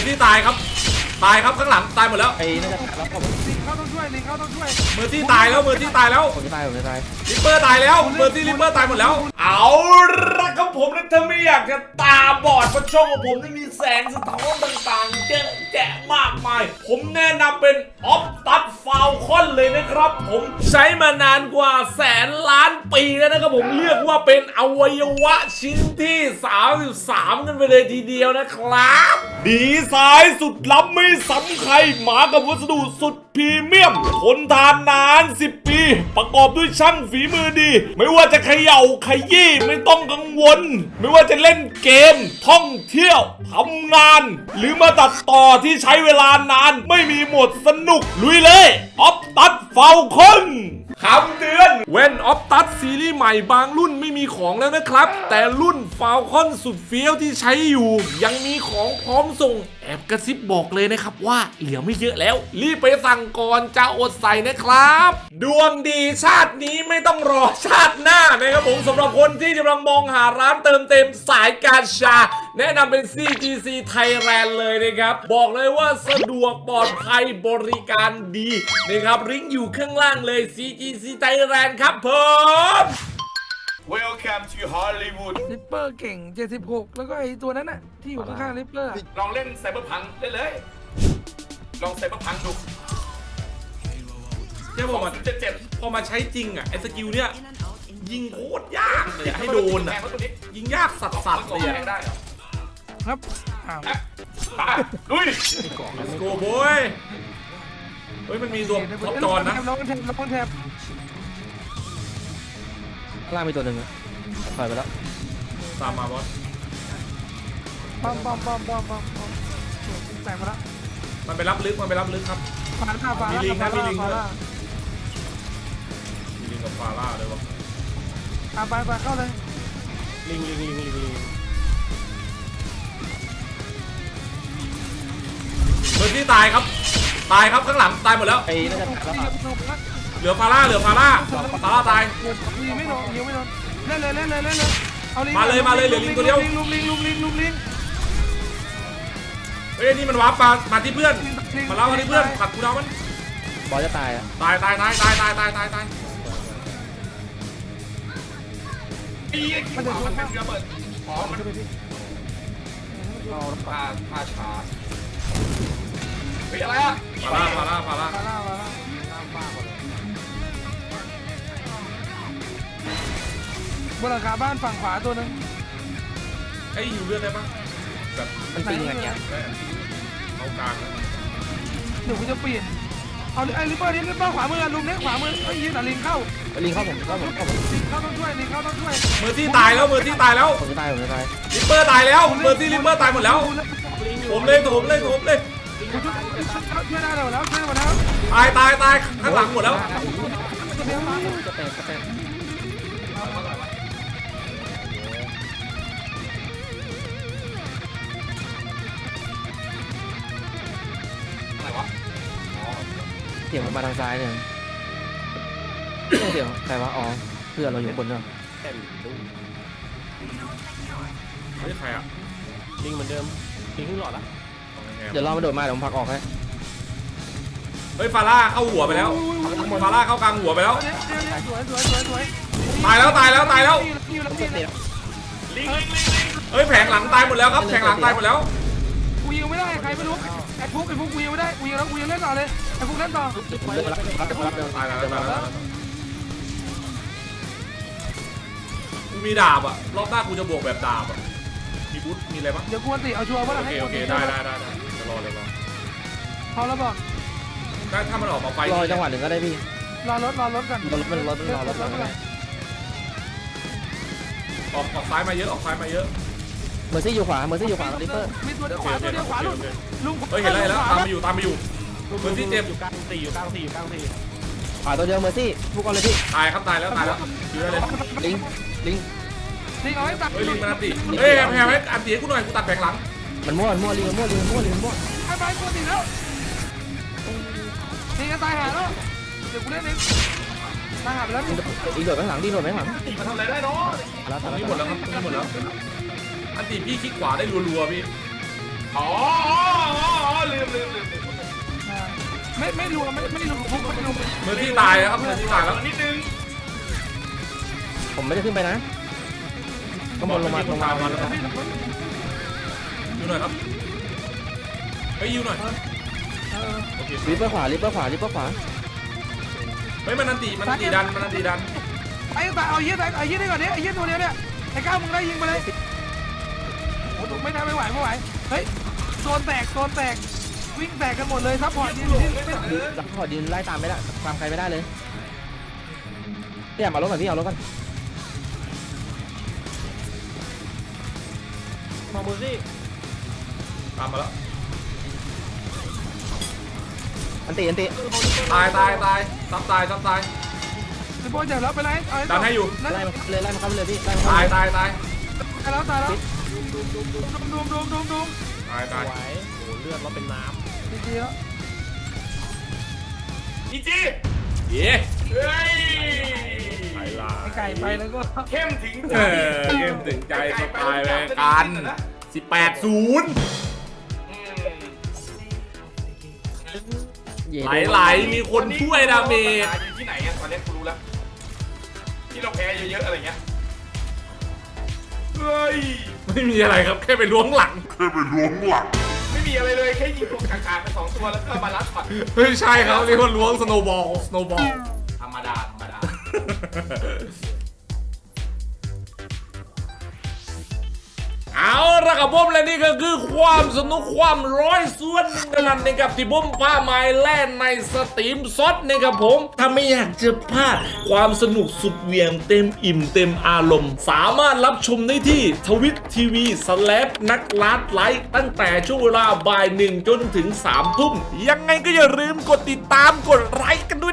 ซี่ตายครับข้างหลังตายหมดแล้วไอ้น่าจะตายแล้วผมลิงเข้าต้องช่วยลิงเข้าต้องช่วยเมอร์ซี่ตายแล้วผมจะตายลิปเปอร์ตายแล้วเมอร์ซี่ลิปเปอร์ตายหมดแล้วเอาละครับผมนะถ้าไม่อยากจะตาบอดเพราะช่องของผมจะมีแสงสะท้อนต่างๆเยอะแยะมากมายผมแนะนำเป็นออฟตัดฟาวคอนเลยนะครับผมใช้มานานกว่าแสนล้านปีแล้วนะครับผมเรียกว่าเป็นอวัยวะชิ้นที่33กันไปเลยทีเดียวนะครับดีไซน์สุดล้ำไม่ซ้ำใครมากับวัสดุสุดพรีเมียมทนทานนาน10 ปีประกอบด้วยช่างฝีมือดีไม่ว่าจะเขย่าขยี้ไม่ต้องกังวลไม่ว่าจะเล่นเกมท่องเที่ยวทำงานหรือมาตัดต่อที่ใช้เวลานานไม่มีหมดสนุกลุยเลยออฟตัดฟาวคอนคำเตือนเว้นออฟตัดซีรีส์ใหม่บางรุ่นไม่มีของแล้วนะครับแต่รุ่นฟาวคอนสุดเฟี้ยวที่ใช้อยู่ยังมีของพร้อมส่งแอบกระซิบบอกเลยนะครับว่าเหลือไม่เยอะแล้วรีบไปสั่งก่อนจะอดใส่นะครับดวงดีชาตินี้ไม่ต้องรอชาติหน้านะครับผมสำหรับคนที่กำลังมองหาร้านเติมเต็มสายการชาแนะนำเป็น CGC Thailand เลยนะครับบอกเลยว่าสะดวกปลอดภัยบริการดีนะครับลิงก์อยู่ข้างล่างเลย CGC Thailand ครับผม Welcome to Hollywood ลิปเปอร์เก่ง76แล้วก็ไอ้ตัวนั้นน่ะที่อยู่ข้างๆลิปเปอร์ลองเล่นไซเบอร์พังเล่นเลยลองไซเบอร์พังดูเจ้าบอกว่าพอมาใช้จริงอ่ะไอ้สกิลเนี้ยยิงโคตรยากเลยให้โดนอ่ะยิงยากสัสๆเลยอ่ะได้เหรอครับอ้าวลุย Let's go boy เฮ้ยมันมีตัวท็อปจอนนะลองแทบข้างล่างมีตัวหนึ่งถอยไปแล้วตามมาบอสปั๊มแตกมาแล้วมันไปรับลึกครับฟาล่ามีลิงนะมีลิงด้วยฟาล่ามีลิงกับฟาร่าเลยวะไปเข้าเลยลิงเมอร์ซี่ตายครับข้างหลังตายหมดแล้วไอ้น่าจะตายแล้วเหลือฟาร่าตายยิงไม่โดนเล่นเลยเอาลิงมาเลยเหลือลิงตัวเดียวลุมลิงเฮ้ยนี่มันวาร์ปมาที่เพื่อนมาเล่ามาที่เพื่อนขัดกูดาวมันบอลจะตายอ่ะตายไอ้ขี้ขวามันเป็นระเบิดอ๋อมันพาช้าเฮ้ยอะไรอ่ะฟาร่าฟาล่าบนหลังคาบ้านฝั่งขวาตัวนึงไอ้อยู่เลือดได้ปะแบบมันปิงอะไรเงี้ยเอากลางนะเดี๋ยวกูจะเปลี่ยนเอาไอ้ลิปเปอร์ขวามือลุมเนี้ยขวามือไอ้ยิงแต่ลิงเข้าลิงเข้าผมลิงเข้าต้องช่วยเมอร์ซี่ตายแล้วผมจะตายลิปเปอร์ตายแล้วเมอร์ซี่ลิปเปอร์ตายหมดแล้วผมเลยช่วยได้แล้วช่วยหมดแล้วตายข้างหลังหมดแล้วจะแตกอะไรวะอ๋อเสียงมาทางซ้ายเนี่ยเสียงใครวะอ๋อเพื่อนเราอยู่บนเนาะเฮ้ยใครอ่ะลิงเหมือนเดิมลิงขึ้นหลอดละเดี๋ยวรอมาโดดมาเดี๋ยวผมพักออกให้เฮ้ยฟาร่าเข้าหัวไปแล้วฟาร่าเข้ากลางหัวไปแล้วสวยตายแล้วลิงเฮ้ยแผงหลังตายหมดแล้วครับแผงหลังตายหมดแล้วกูยิงไม่ได้ใครไม่รู้ไอ้ฟุกกูยิงไม่ได้กูยิงแล้วกูยังเล่นต่อเลยไอ้ฟุกเล่นต่อผมเดินมาแล้วตายแล้วกูมีดาบอ่ะรอบหน้ากูจะบวกแบบดาบอ่ะมีบุ๊ทมีอะไรบ้างเดี๋ยวกูอันติเอาชัวร์ว่าโอเคได้จะรอเลยพอแล้วบอกได้ถ้ามันออกมาไฟรอจังหวะหนึ่งก็ได้พี่รอรถกันรถรอรถออกซ้ายมาเยอะเมอร์ซี่อยู่ขวาลิปเปอร์มีตัวเดียวขวาลุงลุงเฮ้ยเห็นแล้วตามมาอยู่เมอร์ซี่เจ็บอยู่กลางสี่อยู่กลางสี่ขวาตัวเดียวเมอร์ซี่พวกกันเลยพี่ตายแล้วอยู่ได้เลยลิงเอาให้ตัดเฮ้ยลิงมันอันติเฮ้ยแพรให้อันติให้กูหน่อยกูตัดแผงหลังมันมั่วลิงมั่วไอ้ใบกูติดแล้วนี่ก็ตายหาแล้วเดี๋ยวกูเล่นเองตายหาไปแล้วอีโดดไปข้างหลังดีโดดไปข้างหลังตีมันทำอะไรได้เนาะแล้วนี่หมดแล้วอันติพี่คลิกขวาได้รัวๆพี่อ๋อไม่รวมไม่รวมฟุกไม่รวมเมอร์ซี่ตายแล้วครับเมอร์ซี่ตายแล้วนิดนึงผมไม่ได้ขึ้นไปนะข้างบนลงมาอยู่หน่อยครับเฮ้ยยิวหน่อยโอเคลิปเปอร์ขวาลิปเปอร์ขวาลิปเปอร์ขวาเฮ้ยมันนันตีดันไอ้ตายเอาเยี่ยได้ก่อนนี้ไอ้เยี่ยตัวเนี้ยเนี่ยไอ้ก้าวมึงได้ยิงไปเลยโอ้โหไม่ได้ไม่ไหวเฮ้ยโซนแตกวิ่งแตกกันหมดเลยซัพพอร์ตดินซัพพอร์ตดินไล่ตามไม่ได้ตามใครไม่ได้เลยพี่อยากมารถก่อนพี่เอารถก่อนมองมือสิตามมาแล้วอันติตายซับตายไอ้บอลใหญ่แล้วไปไหนดันให้อยู่ไล่มาเข้าไปเลยพี่ไล่มาตายตายแล้วตายไหวโอ้เลือดเราเป็นน้ดีแล้วอีจีเย้เฮ้ยำไหลลาไอ้ไก่ไปแล้วก็เข้มถึงใจเกมถึงใจสไตล์เลยกัน18-0 ไหลมีคนช่วยดาเมจอยู่ที่ไหนอะตอนนี้กูรู้แล้วที่เราแพ้เยอะๆอะไรเงี้ยเฮ้ยไม่มีอะไรครับแค่ไปล้วงหลังไม่มีอะไรเลยแค่ยิงตัวกากๆไป2ตัวแล้วก็มาลัดช็อตเฮ้ยใช่ครับเรียกว่าล้วงสโนบอลธรรมดาเอาละครับผมและนี่ก็คือความสนุกความร้อยส่วนหนึ่งเท่านั้นนะครับที่ผมพาไม้แล่นในสตรีมซดนะครับผมถ้าไม่อยากจะพลาดความสนุกสุดเหวี่ยงเต็มอิ่มเต็มอารมณ์ สามารถรับชมได้ที่ทวิตทีวีนักลัดไลฟ์ตั้งแต่ช่วงเวลาบ่าย 1 จนถึง 3 ทุ่มยังไงก็อย่าลืมกดติดตามกดไลค์กันด้วย